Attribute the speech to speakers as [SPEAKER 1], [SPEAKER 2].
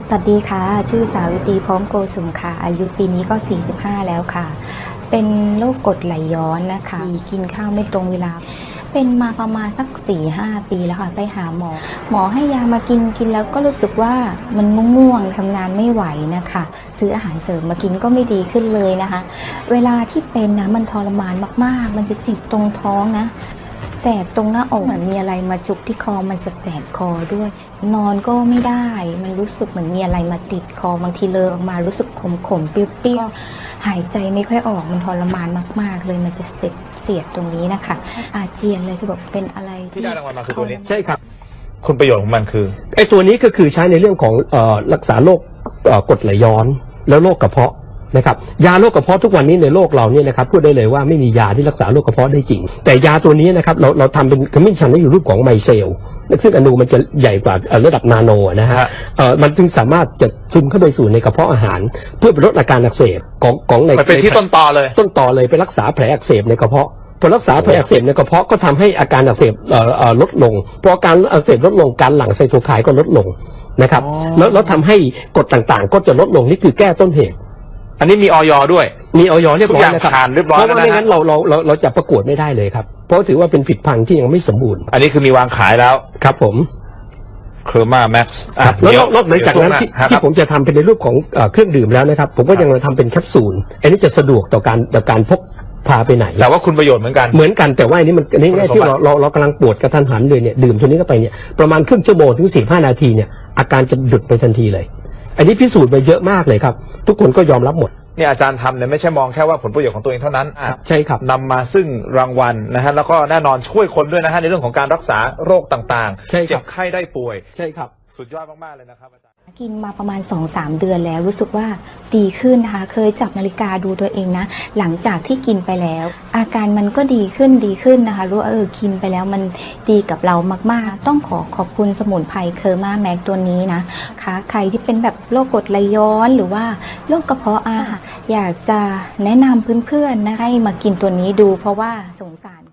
[SPEAKER 1] สวัสดีค่ะชื่อสาวิตรีพร้อมโกสุมค่ะอายุปีนี้ก็45แล้วค่ะเป็นโรคกรดไหลย้อนนะคะกินข้าวไม่ตรงเวลาเป็นมาประมาณสัก 4-5 ปีแล้วค่ะไปหาหมอให้ยามากินแล้วก็รู้สึกว่ามันง่วงทำงานไม่ไหวนะคะซื้ออาหารเสริมมากินก็ไม่ดีขึ้นเลยนะคะเวลาที่เป็นนะมันทรมานมากๆมันจะจิกตรงท้องนะแสบตรงหน้าอกเหมือนมีอะไรมาจุกที่คอมันแสบคอด้วยนอนก็ไม่ได้มันรู้สึกเหมือนมีอะไรมาติดคอบางทีเลอะออกมารู้สึกขมๆเปรี้ยวๆหายใจไม่ค่อยออกมันทรมานมากๆเลยมันจะเสียดตรงนี้นะคะอาเจียนเลยคือแบบเป็นอะไร
[SPEAKER 2] ที่ได้รางวัลมาคือตัวนี้
[SPEAKER 3] ใช่ครับ
[SPEAKER 2] คุณประโยชน์ของมันคือ
[SPEAKER 3] ไอ้ตัวนี้ก็คือใช้ในเรื่องของรักษาโรคกรดไหลย้อนแล้วโรคกระเพาะนะครับยาโรคกระเพาะทุกวันนี้ในโลกเราเนี่ยนะครับพูดได้เลยว่าไม่มียาที่รักษาโรคกระเพาะได้จริงแต่ยาตัวนี้นะครับเราทำเป็นขมิ้นชันที่อยู่รูปของไมเซลซึ่งอนูมันจะใหญ่กว่าระดับนาโนนะฮะมันจึงสามารถจะซึมเข้าไปสู่ในกระเพาะอาหารเพื่อลดอาการอักเสบของใน
[SPEAKER 2] มันเป็นที่ต้นตอเลย
[SPEAKER 3] ไปรักษาแผลอักเสบในกระเพาะพอรักษาแผลอักเสบในกระเพาะก็ทำให้อาการอักเสบลดลงพออาการอักเสบลดลงการหลั่งไซโตไคน์ก็ลดลงนะครับแล้วทำให้กรดต่างๆก็จะลดลงนี่คือแก้ต้นเหตุ
[SPEAKER 2] อันนี้มีออยด้วย
[SPEAKER 3] มีออยเรียบร้อยนะครับเพราะว่าไม่งั้นเราจะประกวดไม่ได้เลยครับเพราะถือว่าเป็นผลิตภัณฑ์ที่ยังไม่สมบูรณ์
[SPEAKER 2] อันนี้คือมีวางขายแล้ว
[SPEAKER 3] ครับผม
[SPEAKER 2] เคอร์มาแม็กซ์
[SPEAKER 3] แล้วนอกจากนั้นที่ผมจะทำเป็นในรูปของเครื่องดื่มแล้วนะครับผมก็ยังทำเป็นแคปซูลอันนี้จะสะดวกต่อการพกพาไปไหน
[SPEAKER 2] แต่ว่าคุณประโยชน์เหมือนกัน
[SPEAKER 3] แต่ว่าอันนี้มันง่ายที่เรากำลังปวดกระทันหันเลยเนี่ยดื่มตัวนี้เข้าไปเนี่ยประมาณครึ่งชั่วโมงถึง45 นาทีเนี่ยอาการจะหยุดไปทันทีเลยอันนี้พิสูจน์ไปเยอะมากเลยครับทุกคนก็ยอมรับหมด
[SPEAKER 2] เนี่ยอาจารย์ทำเนี่ยไม่ใช่มองแค่ว่าผลประโยชน์ของตัวเองเท่านั้น
[SPEAKER 3] ใช่ครับ
[SPEAKER 2] นำมาซึ่งรางวัลนะฮะแล้วก็แน่นอนช่วยคนด้วยนะฮะในเรื่องของการรักษาโรคต่างๆเจ็บไข้ได้ป่วย
[SPEAKER 3] ใช่ครับ
[SPEAKER 2] สุดยอดมากๆเลยนะครับอาจารย์
[SPEAKER 1] กินมาประมาณ 2-3 เดือนแล้วรู้สึกว่าดีขึ้นนะคะเคยจับนาฬิกาดูตัวเองนะหลังจากที่กินไปแล้วอาการมันก็ดีขึ้นนะคะรู้ว่ากินไปแล้วมันดีกับเรามากๆต้องขอบคุณสมุนไพรเคอร์มาแม็กตัวนี้นะคะใครที่เป็นแบบโรคกรดไหลย้อนหรือว่าโรคกระเพาะอาหารอยากจะแนะนำเพื่อนๆนะให้มากินตัวนี้ดูเพราะว่าสงสาร